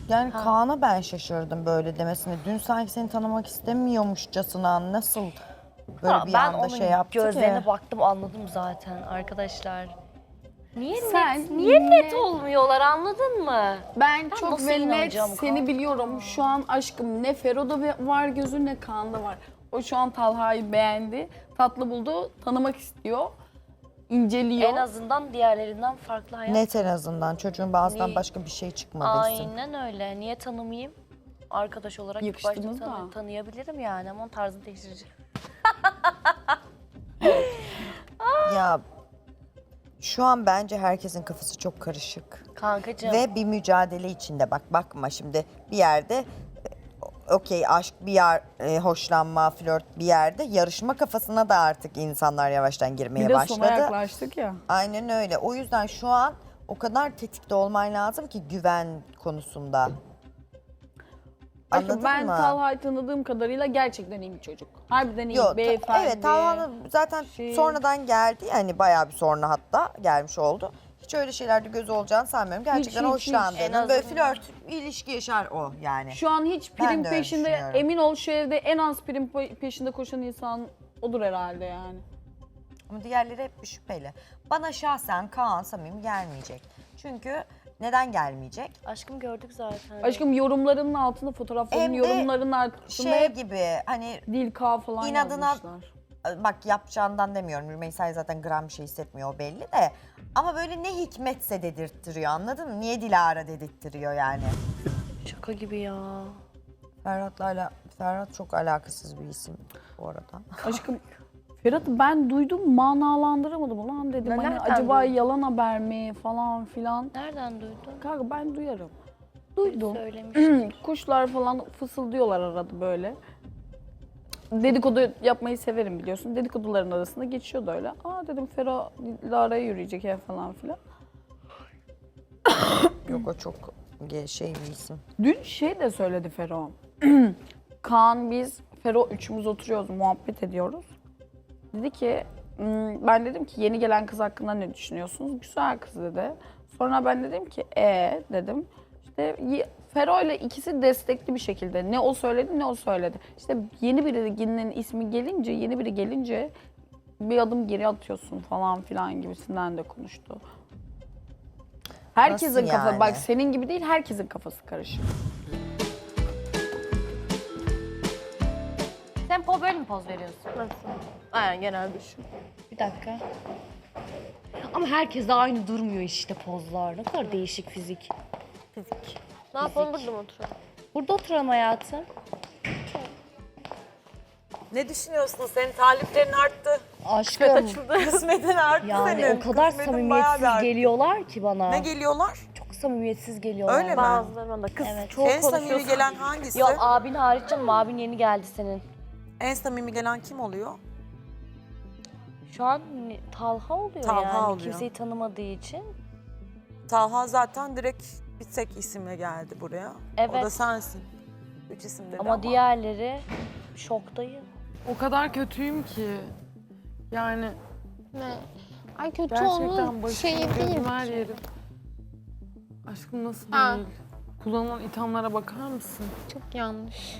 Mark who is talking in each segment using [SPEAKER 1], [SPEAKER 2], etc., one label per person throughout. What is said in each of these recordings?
[SPEAKER 1] Yani Kaan'a ben şaşırdım böyle demesine. Dün sanki seni tanımak istemiyormuşçasına nasıl böyle bir
[SPEAKER 2] Ben
[SPEAKER 1] anda
[SPEAKER 2] onun
[SPEAKER 1] şey yaptı
[SPEAKER 2] gözlerine
[SPEAKER 1] ki?
[SPEAKER 2] baktım, anladım zaten arkadaşlar. Niye
[SPEAKER 3] Sen
[SPEAKER 2] niye net olmuyorlar, anladın mı?
[SPEAKER 3] Ben çok
[SPEAKER 2] nasıl
[SPEAKER 3] ve net
[SPEAKER 2] inanacağım
[SPEAKER 3] seni
[SPEAKER 2] Kaan?
[SPEAKER 3] biliyorum. Şu an aşkım ne Fero'da var gözü ne Kaan'da var. O şu an Talha'yı beğendi, tatlı buldu, tanımak istiyor, inceliyor.
[SPEAKER 2] En azından diğerlerinden farklı hayat.
[SPEAKER 1] Net en azından. Çocuğun bazıdan
[SPEAKER 2] Niye?
[SPEAKER 1] başka bir şey çıkmadı isim.
[SPEAKER 2] Aynen öyle. Niye tanımayayım? Arkadaş olarak ilk başta
[SPEAKER 3] Yakıştınız da.
[SPEAKER 2] tanıyabilirim yani ama onun tarzını değiştireceğim.
[SPEAKER 1] Ya şu an bence herkesin kafası çok karışık.
[SPEAKER 2] Kankacığım.
[SPEAKER 1] Ve bir mücadele içinde bak bakma şimdi bir yerde okey aşk bir yer hoşlanma flört bir yerde yarışma kafasına da artık insanlar yavaştan girmeye
[SPEAKER 3] Bir de sona
[SPEAKER 1] başladı.
[SPEAKER 3] yaklaştık ya.
[SPEAKER 1] Aynen öyle. O yüzden şu an o kadar tetikte olman lazım ki güven konusunda.
[SPEAKER 3] Aşkım
[SPEAKER 1] Anladın
[SPEAKER 3] ben
[SPEAKER 1] mı?
[SPEAKER 3] Talha'yı tanıdığım kadarıyla gerçekten iyi bir çocuk. Harbiden iyi,
[SPEAKER 1] Yok,
[SPEAKER 3] beyefendi.
[SPEAKER 1] evet Talha'nın zaten
[SPEAKER 3] şey-
[SPEAKER 1] sonradan geldi yani bayağı bir sonra hatta gelmiş oldu. Hiç öyle şeylerde gözü olacağını sanmıyorum. Gerçekten
[SPEAKER 3] hiç.
[SPEAKER 1] hoşlandığını,
[SPEAKER 2] En
[SPEAKER 1] böyle
[SPEAKER 2] azından.
[SPEAKER 1] flört, ilişki yaşar o yani.
[SPEAKER 3] Şu an hiç
[SPEAKER 1] Ben
[SPEAKER 3] prim
[SPEAKER 1] de öyle
[SPEAKER 3] peşinde,
[SPEAKER 1] düşünüyorum.
[SPEAKER 3] emin ol şu evde en az prim peşinde koşan insan odur herhalde yani.
[SPEAKER 1] Ama diğerleri hep bir şüpheli. Bana şahsen Kaan samimi gelmeyecek. Çünkü neden gelmeyecek?
[SPEAKER 2] Aşkım gördük zaten.
[SPEAKER 3] Aşkım yorumlarının altında, fotoğrafların
[SPEAKER 1] Hem de
[SPEAKER 3] yorumlarının altında
[SPEAKER 1] Şey
[SPEAKER 3] hep
[SPEAKER 1] gibi hani
[SPEAKER 3] dil K falan
[SPEAKER 1] inadına-
[SPEAKER 3] yazmışlar.
[SPEAKER 1] bak yapacağından demiyorum. Rümeysa'ya zaten gram bir şey hissetmiyor o belli de. Ama böyle ne hikmetse dedirttiriyor anladın mı? Niye Dilara dedirttiriyor yani?
[SPEAKER 2] Şaka gibi ya.
[SPEAKER 1] Ferhat çok alakasız bir isim bu arada.
[SPEAKER 3] Aşkım Ferhat'ı ben duydum, manalandıramadım ulan dedim.
[SPEAKER 2] Ben
[SPEAKER 3] Hani
[SPEAKER 2] nereden
[SPEAKER 3] acaba
[SPEAKER 2] duydun?
[SPEAKER 3] yalan haber mi falan filan.
[SPEAKER 2] Nereden duydun?
[SPEAKER 3] Kanka ben duyarım. Duydum.
[SPEAKER 2] Söylemiş.
[SPEAKER 3] Kuşlar falan fısıldıyorlar arada böyle. Dedikodu yapmayı severim biliyorsun. Dedikoduların arasında geçiyordu öyle. Aa dedim Fero Lara'ya yürüyecek ya falan filan.
[SPEAKER 1] Yok o çok şey bir isim.
[SPEAKER 3] Dün şey de söyledi Fero. Kaan biz Fero üçümüz oturuyoruz, muhabbet ediyoruz. Dedi ki ben dedim ki yeni gelen kız hakkında ne düşünüyorsunuz? Güzel kız dedi. Sonra ben dedim ki dedim. İşte Fero ile ikisi destekli bir şekilde. Ne o söyledi ne o söyledi. İşte yeni birinin ismi gelince, yeni biri gelince bir adım geri atıyorsun falan filan gibisinden de konuştu. Herkesin
[SPEAKER 1] Nasıl
[SPEAKER 3] kafası,
[SPEAKER 1] yani?
[SPEAKER 3] bak senin gibi değil herkesin kafası karışık.
[SPEAKER 2] Sen böyle mi poz veriyorsun? Nasıl? Aynen genelde şu. Bir dakika. Ama herkes de aynı durmuyor işte pozlar. Ne kadar değişik fizik. Fizik.
[SPEAKER 4] Ne yapalım, burada mı oturalım?
[SPEAKER 2] Burada oturalım hayatım.
[SPEAKER 5] Ne düşünüyorsun? Senin taliplerin arttı.
[SPEAKER 2] Aşkım.
[SPEAKER 5] Kısmetin arttı
[SPEAKER 2] Yani
[SPEAKER 5] senin.
[SPEAKER 2] o kadar
[SPEAKER 5] Kısmetin bayağı
[SPEAKER 2] samimiyetsiz
[SPEAKER 5] bir arttı.
[SPEAKER 2] geliyorlar ki bana.
[SPEAKER 5] Ne geliyorlar?
[SPEAKER 2] Çok samimiyetsiz geliyorlar.
[SPEAKER 5] Öyle mi?
[SPEAKER 4] Bazılarından da kız
[SPEAKER 2] Evet.
[SPEAKER 4] çok
[SPEAKER 5] En
[SPEAKER 4] konuşuyor.
[SPEAKER 5] samimi gelen hangisi?
[SPEAKER 2] Yok abin hariç canım, abin yeni geldi senin.
[SPEAKER 5] En samimi gelen kim oluyor?
[SPEAKER 2] Şu an Talha oluyor
[SPEAKER 5] Talha
[SPEAKER 2] yani
[SPEAKER 5] oluyor.
[SPEAKER 2] kimseyi tanımadığı için.
[SPEAKER 5] Talha zaten direkt bir tek isimle geldi buraya. O
[SPEAKER 2] Evet.
[SPEAKER 5] da sensin. Üç isim dedi
[SPEAKER 2] Ama diğerleri şoktayım.
[SPEAKER 6] O kadar kötüyüm ki. Yani
[SPEAKER 4] Ne? Ay kötü
[SPEAKER 6] gerçekten
[SPEAKER 4] onun
[SPEAKER 6] başım
[SPEAKER 4] şeyi değil.
[SPEAKER 6] gözüm her yerim. Aşkım nasıl
[SPEAKER 4] Ha.
[SPEAKER 6] değil? Kullanılan ithamlara bakar mısın?
[SPEAKER 4] Çok yanlış.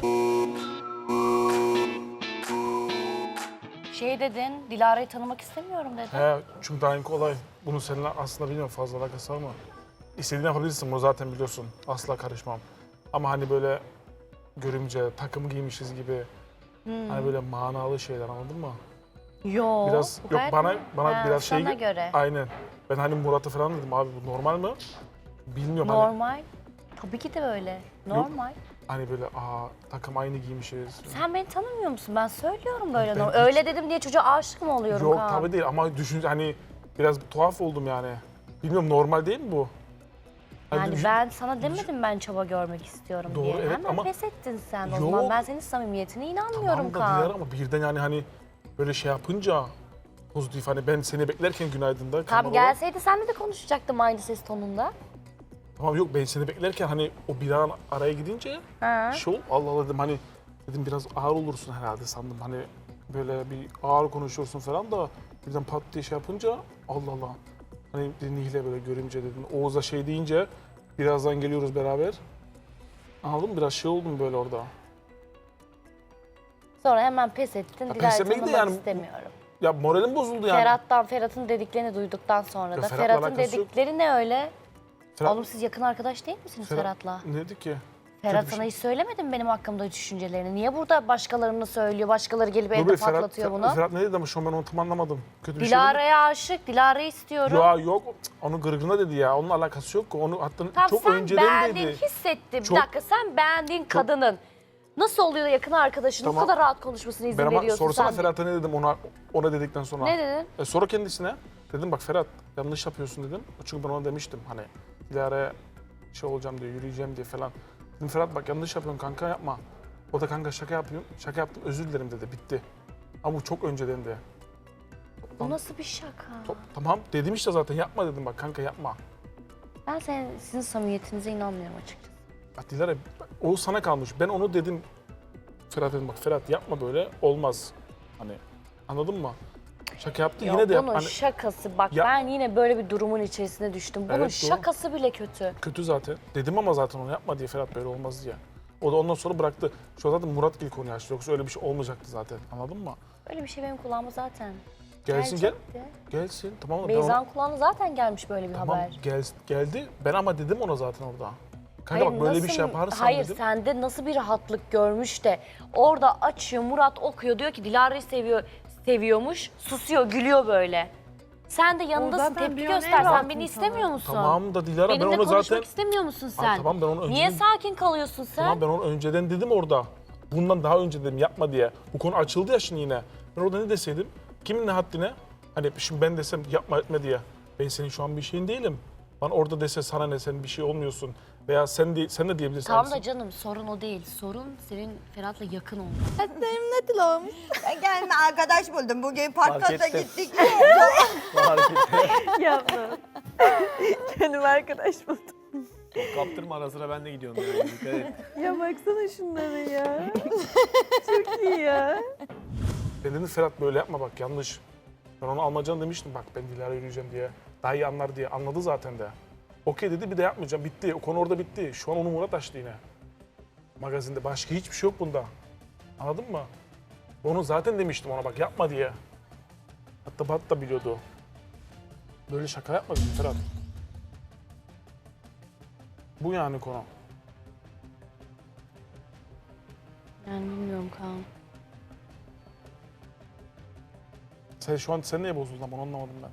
[SPEAKER 2] Şey dedin, Dilara'yı tanımak istemiyorum dedin.
[SPEAKER 7] He, çünkü daha olay. Bunun seninle aslında bilmiyorum fazla alakası var ama istediğini yapabilirsin, bunu zaten biliyorsun. Asla karışmam. Ama hani böyle görümce, takım giymişiz gibi hani böyle manalı şeyler anladın mı?
[SPEAKER 2] Yo.
[SPEAKER 7] Biraz
[SPEAKER 2] bu
[SPEAKER 7] yok
[SPEAKER 2] gayet
[SPEAKER 7] bana
[SPEAKER 2] Ha,
[SPEAKER 7] biraz şey
[SPEAKER 2] sana göre.
[SPEAKER 7] aynen. Ben hani Murat'ı falan dedim abi bu normal mi? Bilmiyorum
[SPEAKER 2] Normal. Tabii ki de öyle. Normal.
[SPEAKER 7] hani böyle takım aynı giymişiz.
[SPEAKER 2] Sen beni tanımıyor musun? Ben söylüyorum böyle.
[SPEAKER 7] Ben
[SPEAKER 2] normal.
[SPEAKER 7] hiç-
[SPEAKER 2] Öyle dedim diye çocuğa aşık mı oluyorum
[SPEAKER 7] Yok
[SPEAKER 2] Kaan?
[SPEAKER 7] tabii değil ama düşün hani biraz tuhaf oldum yani. Bilmiyorum normal değil mi bu? Hani
[SPEAKER 2] Yani
[SPEAKER 7] düşün-
[SPEAKER 2] ben sana demedim ben çaba görmek istiyorum
[SPEAKER 7] Doğru,
[SPEAKER 2] diye.
[SPEAKER 7] evet
[SPEAKER 2] Hemen
[SPEAKER 7] ama-
[SPEAKER 2] pes ettin sen o
[SPEAKER 7] Yok.
[SPEAKER 2] zaman. Ben senin samimiyetine inanmıyorum
[SPEAKER 7] Tamam da
[SPEAKER 2] Kaan.
[SPEAKER 7] Dilara ama birden yani hani böyle şey yapınca pozitif hani ben seni beklerken günaydın'da
[SPEAKER 2] Tamam
[SPEAKER 7] kameralar-
[SPEAKER 2] gelseydi seninle de konuşacaktım aynı ses tonunda.
[SPEAKER 7] Tamam yok ben seni beklerken hani o bir an araya gidince şey ol Allah Allah dedim hani dedim biraz ağır olursun herhalde sandım hani böyle bir ağır konuşuyorsun falan da birden pat diye şey yapınca Allah Allah hani Nihle böyle görünce dedim Oğuz'a şey deyince Birazdan geliyoruz beraber. Anladın mı? Biraz şey oldum böyle orada.
[SPEAKER 2] Sonra hemen pes ettin.
[SPEAKER 7] Ya
[SPEAKER 2] Dilara'yı
[SPEAKER 7] pes etmek de
[SPEAKER 2] tanımak
[SPEAKER 7] yani-
[SPEAKER 2] istemiyorum.
[SPEAKER 7] Ya moralim bozuldu yani.
[SPEAKER 2] Ferhat'ın dediklerini duyduktan sonra
[SPEAKER 7] Ya
[SPEAKER 2] da.
[SPEAKER 7] Ferhat'la
[SPEAKER 2] Ferhat'ın
[SPEAKER 7] alakası yok.
[SPEAKER 2] dedikleri ne öyle?
[SPEAKER 7] Ferhat-
[SPEAKER 2] Oğlum siz yakın arkadaş değil misiniz Ferhat'la?
[SPEAKER 7] Ne dedi ki?
[SPEAKER 2] Ferhat
[SPEAKER 7] kötü bir
[SPEAKER 2] sana
[SPEAKER 7] şey.
[SPEAKER 2] hiç söylemedi mi benim hakkımda düşüncelerini? Niye burada başkalarını söylüyor, başkaları gelip evde
[SPEAKER 7] Ferhat,
[SPEAKER 2] patlatıyor bunu?
[SPEAKER 7] Ferhat ne dedi ama şu an ben onu tam anlamadım. Kötü bir
[SPEAKER 2] Dilara'ya aşık, Dilara'yı istiyorum.
[SPEAKER 7] şey dedi. Ya yok, onu gırgırına dedi ya. Onun alakası yok ki. Onu hatta
[SPEAKER 2] Tamam
[SPEAKER 7] çok
[SPEAKER 2] sen
[SPEAKER 7] önceden
[SPEAKER 2] beğendin,
[SPEAKER 7] dedi.
[SPEAKER 2] hissettin.
[SPEAKER 7] Çok-
[SPEAKER 2] Bir dakika sen beğendiğin kadının nasıl oluyor da yakın arkadaşın bu
[SPEAKER 7] Tamam.
[SPEAKER 2] kadar rahat konuşmasına izin
[SPEAKER 7] Ben ama
[SPEAKER 2] veriyorsun
[SPEAKER 7] sorsana
[SPEAKER 2] sen?
[SPEAKER 7] Ferhat'a ne dedim ona dedikten sonra.
[SPEAKER 2] Ne dedin?
[SPEAKER 7] Sonra kendisine dedim bak Ferhat yanlış yapıyorsun dedim. Çünkü ben ona demiştim hani Dilara'ya şey olacağım diye yürüyeceğim diye falan. Dedim Ferhat bak yanlış yapıyorsun kanka yapma. O da kanka şaka yapıyorum. Şaka yaptım özür dilerim dedi bitti. Ama bu çok önceden de.
[SPEAKER 2] Bu nasıl bir şaka?
[SPEAKER 7] Tamam dedim işte zaten yapma dedim bak kanka yapma.
[SPEAKER 2] Ben sizin samimiyetinize inanmıyorum açıkçası.
[SPEAKER 7] Ya Dilara o sana kalmış. Ben onu dedim Ferhat dedim bak Ferhat yapma böyle olmaz. Hani anladın mı? Şaka yaptı
[SPEAKER 2] Ya
[SPEAKER 7] yine de yap.
[SPEAKER 2] bunun
[SPEAKER 7] Hani
[SPEAKER 2] şakası bak
[SPEAKER 7] Ya-
[SPEAKER 2] ben yine böyle bir durumun içerisine düştüm. Bunun
[SPEAKER 7] Evet, doğru.
[SPEAKER 2] şakası bile kötü.
[SPEAKER 7] kötü zaten. Dedim ama zaten onu yapma diye Ferhat böyle olmaz diye. O da ondan sonra bıraktı. Şu an zaten Murat Gil konuyu açtı. Yoksa öyle bir şey olmayacaktı zaten. Anladın mı?
[SPEAKER 2] Öyle bir şey benim kulağıma zaten
[SPEAKER 7] Gelsin
[SPEAKER 2] gelecekti.
[SPEAKER 7] gelsin. Tamam mı? Ben ona-
[SPEAKER 2] Beyza'nın kulağına zaten gelmiş böyle bir
[SPEAKER 7] tamam
[SPEAKER 2] haber.
[SPEAKER 7] geldi. Ben ama dedim ona zaten orada. Kanka bak böyle bir şey yaparsan
[SPEAKER 2] hayır,
[SPEAKER 7] dedim.
[SPEAKER 2] sende nasıl bir rahatlık görmüş de orada açıyor Murat okuyor diyor ki Dilara'yı seviyormuş susuyor gülüyor böyle. Sen de yanındasın
[SPEAKER 6] zaten
[SPEAKER 2] tepki
[SPEAKER 6] dünyanın en
[SPEAKER 2] göster sen
[SPEAKER 6] rahat
[SPEAKER 2] beni
[SPEAKER 6] insanı.
[SPEAKER 2] istemiyor musun?
[SPEAKER 7] Tamam da Dilara ben
[SPEAKER 2] Benimle
[SPEAKER 7] onu
[SPEAKER 2] konuşmak
[SPEAKER 7] zaten...
[SPEAKER 2] istemiyor musun sen?
[SPEAKER 7] Ay, tamam ben onu
[SPEAKER 2] Niye
[SPEAKER 7] önceden...
[SPEAKER 2] sakin kalıyorsun sen?
[SPEAKER 7] Tamam ben onu önceden dedim orada. Bundan daha önce dedim yapma diye. Bu konu açıldı ya şimdi yine. Ben orada ne deseydim? Kimin ne haddine? Hani şimdi ben desem yapma etme diye. Ben senin şu an bir şeyin değilim. Bana orada dese sana ne sen bir şey olmuyorsun. Veya sen de diyebilirsin.
[SPEAKER 2] Tamam da
[SPEAKER 7] aynısını.
[SPEAKER 2] canım sorun o değil. Sorun senin Ferhat'la yakın olman.
[SPEAKER 1] Ben kendime arkadaş buldum. Bugün parka da
[SPEAKER 8] ettim.
[SPEAKER 1] gittik.
[SPEAKER 8] Bu hareketi.
[SPEAKER 4] Yapma. Kendime arkadaş buldum.
[SPEAKER 8] Kaptırma ara sıra ben de gidiyorum yani. Dikkat et.
[SPEAKER 4] Ya baksana şunlara ya. Çok iyi ya.
[SPEAKER 7] Ben dedim Ferhat böyle yapma bak yanlış. Ben ona almacan demiştim bak ben Dilara yürüyeceğim diye. Daha iyi anlar diye. Anladı zaten de. Okey dedi bir de yapmayacağım. Bitti. O konu orada bitti. Şu an onu Murat açtı yine. Magazinde. Başka hiçbir şey yok bunda. Anladın mı? Onu zaten demiştim ona bak yapma diye. Hatta Bat da biliyordu. Böyle şaka yapma dedim Ferhat. Bu yani konu.
[SPEAKER 2] Yani bilmiyorum Kaan.
[SPEAKER 7] Sen neye bozuldun ama onu anlamadım ben.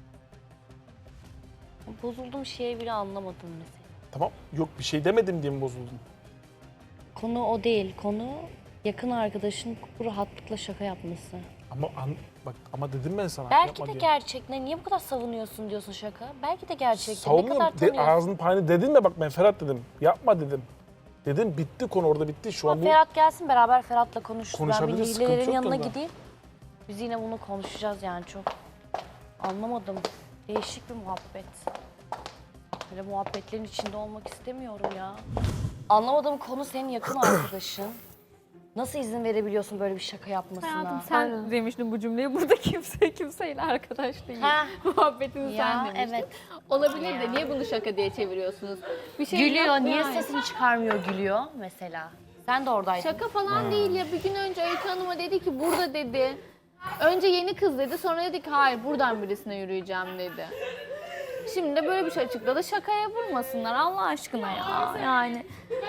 [SPEAKER 2] Bozulduğum şeye bile anlamadım mesela.
[SPEAKER 7] Tamam yok bir şey demedim diye mi bozuldun?
[SPEAKER 2] Konu o değil. Konu yakın arkadaşın bu rahatlıkla şaka yapması.
[SPEAKER 7] Bak ama dedim ben sana
[SPEAKER 2] Belki
[SPEAKER 7] yapma
[SPEAKER 2] de
[SPEAKER 7] diye.
[SPEAKER 2] gerçek. Niye bu kadar savunuyorsun diyorsun şaka? Belki de gerçek. Ne
[SPEAKER 7] Savunmuyorum.
[SPEAKER 2] kadar tanıyorsun?
[SPEAKER 7] Ağzının payını dedin mi bak ben Ferhat dedim. Yapma dedim. Dedim bitti konu orada bitti. Şu an bu
[SPEAKER 2] Ferhat gelsin beraber Ferhat'la konuşuruz. Ben bir
[SPEAKER 7] Konuşabiliriz, sıkıntı
[SPEAKER 2] Nilelerin
[SPEAKER 7] yok
[SPEAKER 2] yanına
[SPEAKER 7] onda.
[SPEAKER 2] gideyim. Biz yine bunu konuşacağız yani çok. Anlamadım. Değişik bir muhabbet. Böyle muhabbetlerin içinde olmak istemiyorum ya. Anlamadığım konu senin yakın arkadaşın. Nasıl izin verebiliyorsun böyle bir şaka yapmasına?
[SPEAKER 9] Sen demiştin bu cümleyi. Burada kimseyle arkadaş değil.
[SPEAKER 2] Ha.
[SPEAKER 9] Muhabbetini
[SPEAKER 2] Ya,
[SPEAKER 9] sen demiştin.
[SPEAKER 2] evet.
[SPEAKER 9] Olabilir de niye bunu şaka diye çeviriyorsunuz? Bir şey
[SPEAKER 2] Gülüyor.
[SPEAKER 9] yok
[SPEAKER 2] Niye
[SPEAKER 9] yani.
[SPEAKER 2] sesini çıkarmıyor gülüyor mesela? Sen de oradaydın.
[SPEAKER 9] Şaka falan değil ya. Bir gün önce Öykü Hanım'a dedi ki burada dedi. Önce yeni kız dedi. Sonra dedi ki hayır buradan birisine yürüyeceğim dedi. Şimdi de böyle bir şey açıkladı. Şakaya vurmasınlar Allah aşkına ya. Yani.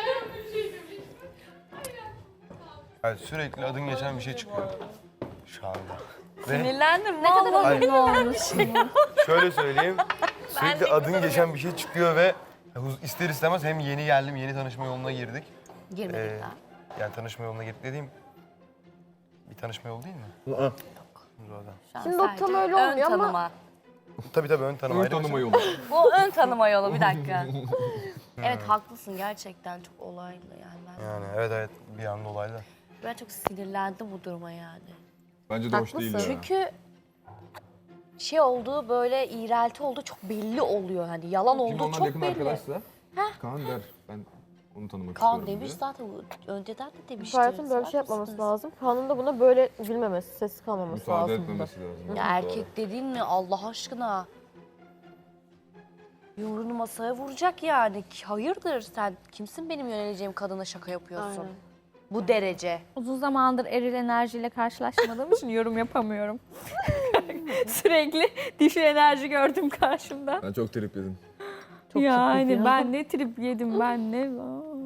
[SPEAKER 10] Yani sürekli adın geçen bir şey çıkıyor şu anda. Ve
[SPEAKER 2] Sinirlendim. Ne kadar
[SPEAKER 10] Hayır.
[SPEAKER 2] olmuşsun.
[SPEAKER 10] şöyle söyleyeyim, sürekli adın geçen bir şey çıkıyor ve ister istemez hem yeni geldim, yeni tanışma yoluna girdik.
[SPEAKER 2] Girmedik daha.
[SPEAKER 10] Yani tanışma yoluna girdik dediğim bir tanışma yolu değil mi? Zaten.
[SPEAKER 2] Şu an
[SPEAKER 4] Şimdi o tam
[SPEAKER 2] sadece
[SPEAKER 4] öyle
[SPEAKER 2] ön
[SPEAKER 4] olmuyor ama-
[SPEAKER 2] tanıma.
[SPEAKER 10] Tabii ön tanıma ayrı.
[SPEAKER 8] yolu.
[SPEAKER 2] Bu ön tanıma yolu bir dakika. Evet haklısın gerçekten çok olaylı yani ben.
[SPEAKER 10] Yani evet bir anda olaylar.
[SPEAKER 2] Ben çok sinirlendim bu duruma yani.
[SPEAKER 8] Bence de hoş değil ya.
[SPEAKER 2] Çünkü şey olduğu böyle iğrelti olduğu çok belli oluyor hani yalan
[SPEAKER 8] Şimdi
[SPEAKER 2] olduğu
[SPEAKER 8] onlar
[SPEAKER 2] çok
[SPEAKER 8] yakın
[SPEAKER 2] belli.
[SPEAKER 8] arkadaşsa Kaan der. Ben onu tanımak
[SPEAKER 2] Kaan
[SPEAKER 8] istiyorum
[SPEAKER 2] demiş
[SPEAKER 8] diye.
[SPEAKER 2] zaten önceden de demişti.
[SPEAKER 4] Ferhat'ın böyle bir şey yapmaması lazım. Kaan'ın da buna böyle gülmemesi, sessiz kalmaması
[SPEAKER 8] Müsaade
[SPEAKER 4] lazım.
[SPEAKER 8] etmemesi lazım.
[SPEAKER 2] Ya erkek dediğin ne Allah aşkına? Yumruğunu masaya vuracak yani. Hayırdır sen kimsin benim yöneleceğim kadına şaka yapıyorsun?
[SPEAKER 9] Aynen.
[SPEAKER 2] Bu derece.
[SPEAKER 4] Uzun zamandır eril enerjiyle karşılaşmadığım için yorum yapamıyorum. Sürekli dişil enerji gördüm karşımda.
[SPEAKER 8] Ben çok trip yedim.
[SPEAKER 4] Yani ben ne trip yedim ben ne.